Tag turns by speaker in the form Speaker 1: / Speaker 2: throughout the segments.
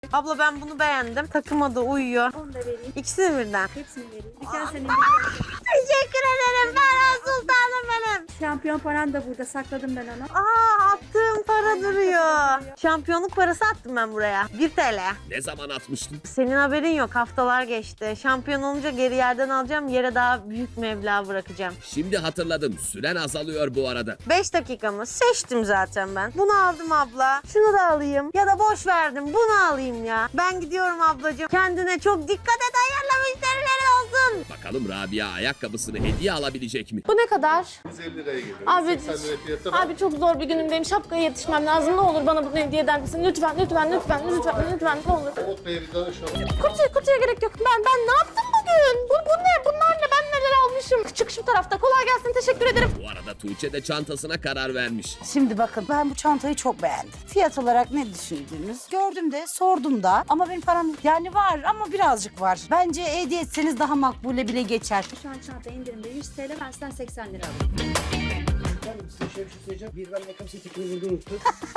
Speaker 1: Abla ben bunu beğendim. Takıma da uyuyor.
Speaker 2: Onu da vereyim.
Speaker 1: İkisini birden.
Speaker 2: Hepsini vereyim. Dükkan senin.
Speaker 1: Teşekkür ederim. Ben sultanım benim.
Speaker 2: Şampiyon paran da burada. Sakladım ben onu.
Speaker 1: Attığım para duruyor. Şampiyonluk parası attım ben buraya. 1 TL.
Speaker 3: Ne zaman atmıştın?
Speaker 1: Senin haberin yok. Haftalar geçti. Şampiyon olunca geri yerden alacağım. Yere daha büyük meblağ bırakacağım.
Speaker 3: Şimdi hatırladım. Süren azalıyor bu arada.
Speaker 1: 5 dakikamı seçtim zaten ben. Bunu aldım abla. Şunu da alayım. Ya da boş verdim. Bunu alayım ya. Ben gidiyorum ablacığım. Kendine çok dikkat et. Hayırlı müşterileri olsun.
Speaker 3: Bakalım Rabia ayakkabısını hediye alabilecek mi?
Speaker 4: Bu ne kadar?
Speaker 5: 150 liraya geliyor.
Speaker 4: Abi,
Speaker 5: 80 liraya fiyatı var.
Speaker 4: Abi çok zor bir günümdeyim. Şapkaya yetişmem lazım. Ne olur bana bunu hediye eder misin? Lütfen, lütfen, lütfen, lütfen, lütfen. Ne olur.
Speaker 5: Umut Bey'e bir danışalım.
Speaker 4: Kutuya gerek yok. Ben ne yaptım bugün? Bu ne? Bunlar ne? Ben neler almışım? Çık şu tarafta. Kolay gelsin. Teşekkür ederim.
Speaker 3: Bu arada Tuğçe de çantasına karar vermiş.
Speaker 6: Şimdi bakın ben bu çantayı çok beğendim. Fiyat olarak ne düşündünüz? Gördüm de sordum da ama benim param yani var ama birazcık var. Bence hediye etseniz daha makbule bile geçer.
Speaker 2: Şu an çanta indirimde 100 TL. Ben sizden 80 lira alayım.
Speaker 7: Efendim size şöyle bir şey söyleyeceğim. Bir ben ayakkabı seçtikini burada unuttum.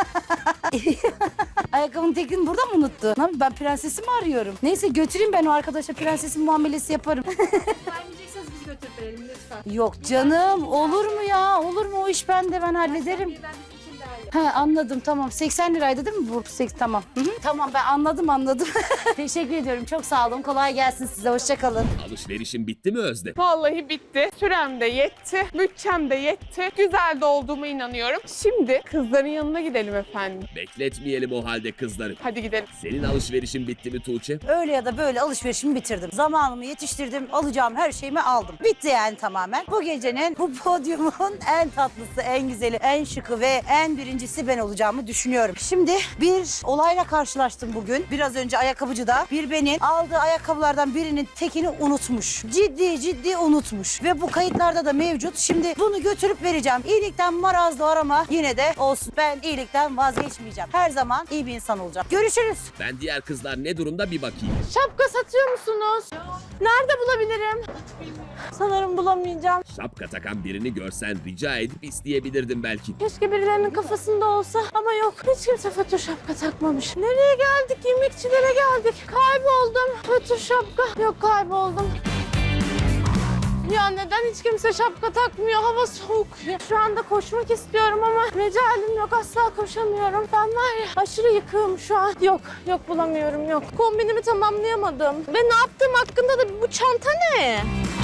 Speaker 6: Ayakkabının tekini burada mı unuttu? Ne yapayım, ben prensesimi arıyorum. Neyse götüreyim ben o arkadaşa prensesin muamelesi yaparım.
Speaker 2: Vermeyecekseniz biz götürüp verelim lütfen.
Speaker 6: Yok canım olur mu ya? Olur mu o iş bende ben hallederim.
Speaker 2: Ben bizim için değerli.
Speaker 6: Ha anladım tamam 80 liraydı değil mi bu? Tamam. Hı hı. Tamam ben anladım. Teşekkür ediyorum çok sağ olun kolay gelsin size hoşça kalın.
Speaker 3: Alışverişin bitti mi Özde?
Speaker 8: Vallahi bitti. Sürem de yetti. Bütçem de yetti. Güzel de olduğuma inanıyorum. Şimdi kızların yanına gidelim efendim.
Speaker 3: Bekletmeyelim o halde kızları.
Speaker 8: Hadi gidelim.
Speaker 3: Senin alışverişin bitti mi Tuğçe?
Speaker 6: Öyle ya da böyle alışverişimi bitirdim. Zamanımı yetiştirdim. Alacağım her şeyimi aldım. Bitti yani tamamen. Bu gecenin, bu podyumun en tatlısı, en güzeli, en şıkı ve en birincisi ben olacağımı düşünüyorum. Şimdi bir olayla karşılaştım bugün. Biraz önce ayakkabıcıda bir benim aldığı ayakkabılardan birinin tekini unutmuş. Ciddi unutmuş. Ve bu kayıtlarda da mevcut. Şimdi bunu götürüp vereceğim. İyilikten maraz doğar ama yine de olsun. Ben iyilikten vazgeçmeyeceğim. Her zaman iyi bir insan olacağım. Görüşürüz.
Speaker 3: Ben diğer kızlar ne durumda bir bakayım.
Speaker 4: Şapka satıyor musunuz? Nerede bulabilirim? Sanırım bulamayacağım.
Speaker 3: Şapka takan birini görsen rica edip isteyebilirdim belki.
Speaker 4: Keşke birilerinin kafasında olsa ama yok. Hiç kimse fötür şapka takmamış. Nereye geldik? Yemekçilere geldik. Kayboldum. Fötür şapka. Yok kayboldum. Ya neden hiç kimse şapka takmıyor? Hava soğuk. Şu anda koşmak istiyorum ama mecalim yok. Asla koşamıyorum. Ben var ya aşırı yıkığım şu an. Yok bulamıyorum yok. Kombinimi tamamlayamadım. Ve ne yaptığım hakkında da bu çanta ne?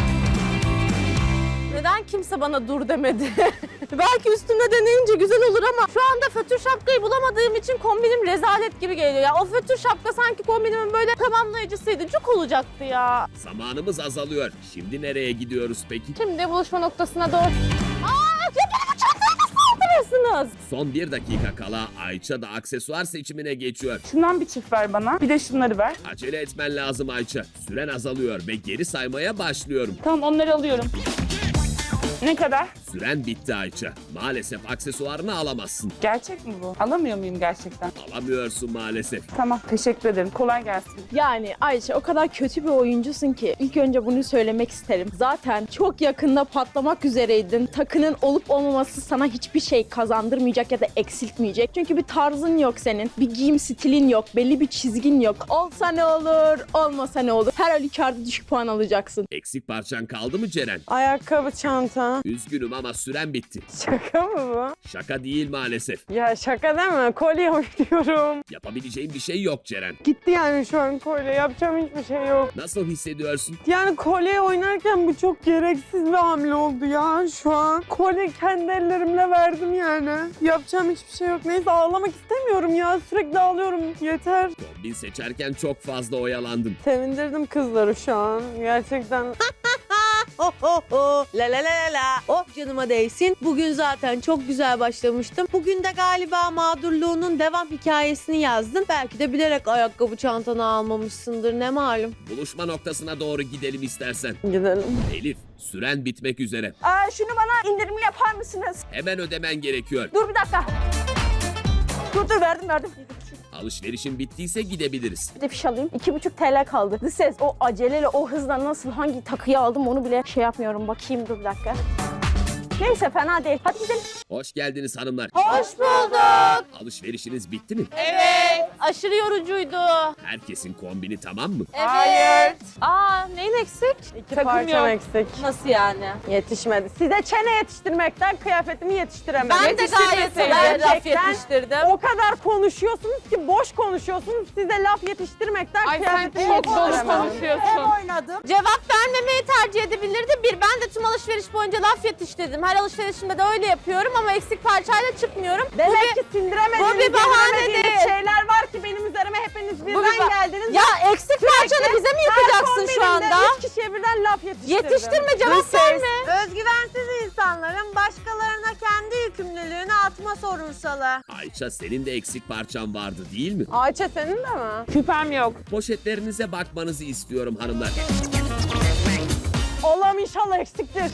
Speaker 4: Neden kimse bana dur demedi? Belki üstümde deneyince güzel olur ama şu anda fötür şapkayı bulamadığım için kombinim rezalet gibi geliyor. Ya o fötür şapka sanki kombinimin böyle tamamlayıcısıydı. Cuk olacaktı ya.
Speaker 3: Zamanımız azalıyor. Şimdi nereye gidiyoruz peki?
Speaker 4: Şimdi buluşma noktasına doğru... Ya bana bu çantayı nasıl aldırırsınız?
Speaker 3: Son 1 dakika kala Ayça da aksesuar seçimine geçiyor.
Speaker 8: Şundan bir çift ver bana. Bir de şunları ver.
Speaker 3: Acele etmen lazım Ayça. Süren azalıyor ve geri saymaya başlıyorum.
Speaker 8: Tamam onları alıyorum. Ne kadar?
Speaker 3: Süren bitti Ayça. Maalesef aksesuarını alamazsın.
Speaker 8: Gerçek mi bu? Alamıyor muyum gerçekten?
Speaker 3: Alamıyorsun maalesef.
Speaker 8: Tamam teşekkür ederim. Kolay gelsin.
Speaker 9: Yani Ayşe o kadar kötü bir oyuncusun ki ilk önce bunu söylemek isterim. Zaten çok yakında patlamak üzereydin. Takının olup olmaması sana hiçbir şey kazandırmayacak ya da eksiltmeyecek. Çünkü bir tarzın yok senin. Bir giyim stilin yok. Belli bir çizgin yok. Olsa ne olur, olmasa ne olur. Her halükarda düşük puan alacaksın.
Speaker 3: Eksik parçan kaldı mı Ceren?
Speaker 8: Ayakkabı, çanta.
Speaker 3: Üzgünüm ama süren bitti.
Speaker 8: Şaka mı bu?
Speaker 3: Şaka değil maalesef.
Speaker 8: Ya şaka deme. Kolye oynuyorum.
Speaker 3: Yapabileceğin bir şey yok Ceren.
Speaker 8: Gitti yani şu an kolye. Yapacağım hiçbir şey yok.
Speaker 3: Nasıl hissediyorsun?
Speaker 8: Yani kolye oynarken bu çok gereksiz bir hamle oldu ya şu an. Kolye kendi ellerimle verdim yani. Yapacağım hiçbir şey yok. Neyse ağlamak istemiyorum ya. Sürekli ağlıyorum. Yeter.
Speaker 3: Kombin seçerken çok fazla oyalandın.
Speaker 8: Sevindirdim kızları şu an. Gerçekten.
Speaker 1: La la la la la. Oh canıma değsin. Bugün zaten çok güzel başlamıştım. Bugün de galiba mağdurluğunun devam hikayesini yazdım. Belki de bilerek ayakkabı çantanı almamışsındır ne malum.
Speaker 3: Buluşma noktasına doğru gidelim istersen.
Speaker 8: Gidelim.
Speaker 3: Elif, süren bitmek üzere.
Speaker 4: Şunu bana indirimli yapar mısınız?
Speaker 3: Hemen ödemen gerekiyor.
Speaker 4: Dur bir dakika. Dur verdim.
Speaker 3: Alışverişin bittiyse gidebiliriz.
Speaker 4: Bir de fiş alayım. 2,5 TL kaldı. The ses o aceleyle o hızla nasıl hangi takıyı aldım onu bile şey yapmıyorum. Bakayım dur bir dakika. Neyse fena değil. Hadi gidelim.
Speaker 3: Hoş geldiniz hanımlar.
Speaker 4: Hoş bulduk.
Speaker 3: Alışverişiniz bitti mi?
Speaker 4: Evet. Aşırı yorucuydu.
Speaker 3: Herkesin kombini tamam mı?
Speaker 4: Evet.
Speaker 8: Hayır.
Speaker 4: Aa, neyin eksik?
Speaker 8: İki
Speaker 9: Takım
Speaker 8: parçam
Speaker 9: yok.
Speaker 8: eksik.
Speaker 4: Nasıl yani?
Speaker 8: Yetişmedi. Size çene yetiştirmekten kıyafetimi yetiştiremedim.
Speaker 4: Ben de gayet güzel laf yetiştirdim.
Speaker 8: O kadar konuşuyorsunuz ki boş konuşuyorsunuz. Size laf yetiştirmekten kıyafetimi yetiştiremedim.
Speaker 6: Hem oynadım.
Speaker 4: Cevap vermemeyi tercih edebilirdi. Ben de tüm alışveriş boyunca laf yetiştirdim. Her alışverişimde de öyle yapıyorum ama eksik parçayla çıkmıyorum.
Speaker 8: Demek ki sindiremediğiniz,
Speaker 4: bu bir bahane
Speaker 8: yediremediğiniz
Speaker 4: değil.
Speaker 8: şeyler var ki benim üzerime hepiniz birden
Speaker 4: bir
Speaker 8: geldiniz.
Speaker 4: Ya eksik parçanı bize mi yıkacaksın şu anda?
Speaker 8: 3 kişiye birden laf yetiştirdim.
Speaker 4: Yetiştirme, cevap verme.
Speaker 1: Özgüvensiz insanların başkalarına kendi yükümlülüğünü atma sorunsalı.
Speaker 3: Ayça senin de eksik parçan vardı değil mi?
Speaker 8: Ayça senin de mi? Şüphem yok.
Speaker 3: Poşetlerinize bakmanızı istiyorum hanımlar.
Speaker 8: Allah'ım inşallah eksiktir.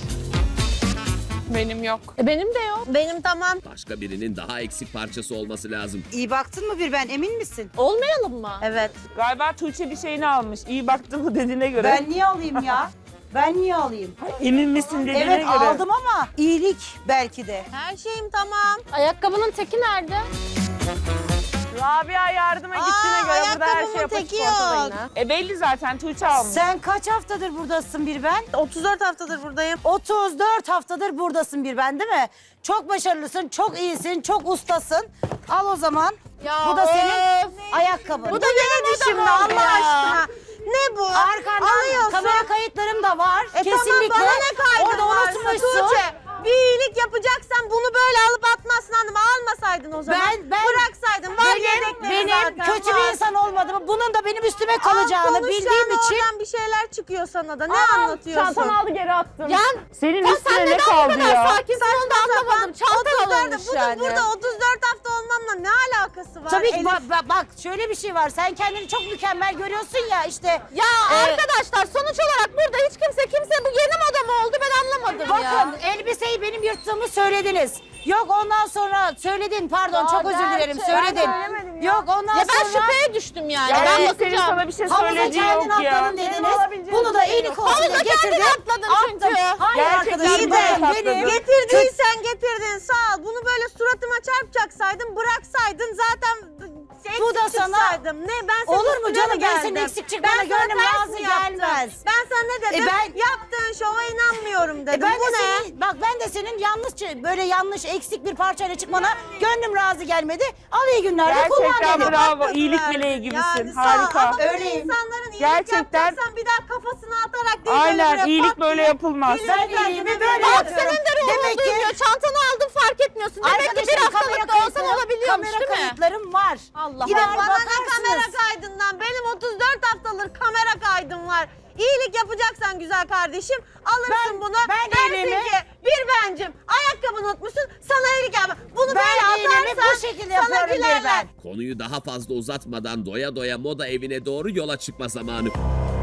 Speaker 8: Benim yok.
Speaker 4: Benim de yok.
Speaker 1: Benim tamam.
Speaker 3: Başka birinin daha eksik parçası olması lazım.
Speaker 6: İyi baktın mı bir ben emin misin?
Speaker 4: Olmayalım mı?
Speaker 1: Evet.
Speaker 10: Galiba Tuğçe bir şeyini almış. İyi baktın mı dediğine göre.
Speaker 6: Ben niye alayım ya? Ben niye alayım?
Speaker 10: Emin misin dediğine
Speaker 6: Evet
Speaker 10: göre.
Speaker 6: aldım ama iyilik belki de.
Speaker 1: Her şeyim tamam.
Speaker 4: Ayakkabının teki nerede?
Speaker 8: Rabia yardıma gittiğine göre burada her şey
Speaker 1: ayakkabımın
Speaker 8: yapışık
Speaker 1: teki
Speaker 8: ortada
Speaker 1: yok.
Speaker 8: yine.
Speaker 10: Belli zaten Tuğçe almış.
Speaker 6: Sen kaç haftadır buradasın bir ben?
Speaker 1: 34 haftadır buradayım.
Speaker 6: 34 haftadır buradasın bir ben değil mi? Çok başarılısın, çok iyisin, çok ustasın. Al o zaman. Bu da senin ayakkabın.
Speaker 1: Bu da neydi şimdi Allah aşkına? Ne bu?
Speaker 6: Arkandan
Speaker 1: Alıyorsun.
Speaker 6: kamera kayıtlarım da var. Kesinlikle.
Speaker 1: Tamam bana ne kaydın
Speaker 6: Orada
Speaker 1: varsa
Speaker 6: unutmuşsun.
Speaker 1: Tuğçe. Bir iyilik yapacaksan bunu böyle alıp atmazsın hanım. Almasaydın o zaman.
Speaker 6: Ben
Speaker 1: Bıraksaydın. Var yedekleri
Speaker 6: benim
Speaker 1: zaten,
Speaker 6: kötü
Speaker 1: var.
Speaker 6: bir insan olmadığımı, bunun da benim üstüme kalacağını bildiğim için.
Speaker 1: Oradan bir şeyler çıkıyor sana da. Ne anlatıyorsun?
Speaker 8: Çantamı aldı geri attım.
Speaker 4: Ya
Speaker 10: Senin
Speaker 4: sen
Speaker 10: üstüne ne
Speaker 4: neden bu
Speaker 10: kaldı
Speaker 4: kadar
Speaker 10: ya?
Speaker 4: sakinsin onu da anlamadım. Çantan alınmış
Speaker 1: Bunun
Speaker 4: yani.
Speaker 1: burada 34 hafta olmamla ne alakası var?
Speaker 6: Tabii ki
Speaker 1: Elif?
Speaker 6: bak şöyle bir şey var. Sen kendini çok mükemmel görüyorsun ya işte.
Speaker 4: Ya arkadaşlar sonuç olarak burada hiç kimse bu yeni moda mı oldu ben anlamadım
Speaker 6: Bakın
Speaker 4: ya.
Speaker 6: elbiseyi benim yırttığımı söylediniz. Yok ondan sonra söyledin pardon çok özür dilerim
Speaker 8: Ben
Speaker 6: söyledin.
Speaker 8: söylemedim ya.
Speaker 6: Yok ondan
Speaker 4: Ya ben
Speaker 6: sonra
Speaker 4: şüpheye düştüm yani.
Speaker 10: Ya
Speaker 4: Ben
Speaker 10: senin
Speaker 4: bakacağım.
Speaker 10: sana bir şey
Speaker 6: havuza
Speaker 10: söylediği
Speaker 6: kendin
Speaker 10: yok ya.
Speaker 6: atladın dediniz.
Speaker 8: alabileceğim
Speaker 6: Bunu da
Speaker 8: bir şey
Speaker 6: iyilik olsun
Speaker 4: Havuza
Speaker 6: diye
Speaker 4: kendin
Speaker 6: getirdim.
Speaker 4: atladın çünkü.
Speaker 6: Hayır
Speaker 10: Gerçekten
Speaker 6: arkadaşım
Speaker 10: iyi
Speaker 6: ben
Speaker 10: de
Speaker 6: benim.
Speaker 1: Getirdiysen getirdin sağ ol. Bunu böyle suratıma çarpacaksaydın bıraksaydın zaten
Speaker 6: Bu da
Speaker 1: eksik
Speaker 6: sana-
Speaker 1: çıksaydım. Ne ben senin
Speaker 6: Olur mu
Speaker 1: üstüne
Speaker 6: canım
Speaker 1: mi
Speaker 6: ben
Speaker 1: geldim?
Speaker 6: senin eksik çıkmana
Speaker 1: Ben sana
Speaker 6: gönlüm
Speaker 1: ters
Speaker 6: razı
Speaker 1: mi yaptım?
Speaker 6: gelmez.
Speaker 1: Ben sana ne dedim?
Speaker 6: ben-
Speaker 1: Yaptığın şova inanmıyorum dedim.
Speaker 6: Ben
Speaker 1: Bu
Speaker 6: de
Speaker 1: ne?
Speaker 6: senin, bak ben de senin böyle yanlış eksik bir parçayla çıkmana gönlüm razı gelmedi. Al iyi günler kullan
Speaker 10: Gerçekten
Speaker 6: dedim.
Speaker 10: bravo. İyilik meleği gibisin.
Speaker 1: Yani sağ ol.
Speaker 10: Harika.
Speaker 1: Ama böyle
Speaker 6: Öyleyim.
Speaker 1: insanların iyilik
Speaker 10: Gerçekten-
Speaker 1: yapacaksan bir daha kafasına atarak değil.
Speaker 10: Aynen
Speaker 1: böyle
Speaker 10: iyilik
Speaker 1: pat
Speaker 10: böyle
Speaker 1: diye
Speaker 10: yapılmaz.
Speaker 6: Ben iyiliğimi böyle
Speaker 4: Bak
Speaker 6: yapıyorum.
Speaker 4: senin de ruhun
Speaker 6: Demek ki
Speaker 4: duymuyor. Çantanı aldın fark etmiyorsun. Demek ki bir
Speaker 6: arkadaşım
Speaker 4: haftalık da olsan olabiliyormuş
Speaker 6: kamera
Speaker 4: değil mi?
Speaker 6: kayıtlarım var.
Speaker 4: Allah
Speaker 6: Gider
Speaker 4: Allah.
Speaker 1: Bana ne
Speaker 6: bakarsınız.
Speaker 1: kamera kaydından? Benim 34 haftadır kamera kaydım var. İyilik yapacaksan güzel kardeşim alırsın bunu.
Speaker 6: ben
Speaker 1: Dersin
Speaker 6: iyiliğimi-
Speaker 1: ki bir bencim ayakkabını unutmuşsun sana iyilik yapma. Bunu
Speaker 6: Ben
Speaker 1: böyle
Speaker 6: iyiliğimi
Speaker 1: atarsan
Speaker 6: bu şekilde
Speaker 1: sana
Speaker 6: yapıyorum bir
Speaker 1: gülerler.
Speaker 6: ben.
Speaker 3: Konuyu daha fazla uzatmadan doya doya moda evine doğru yola çıkma zamanı.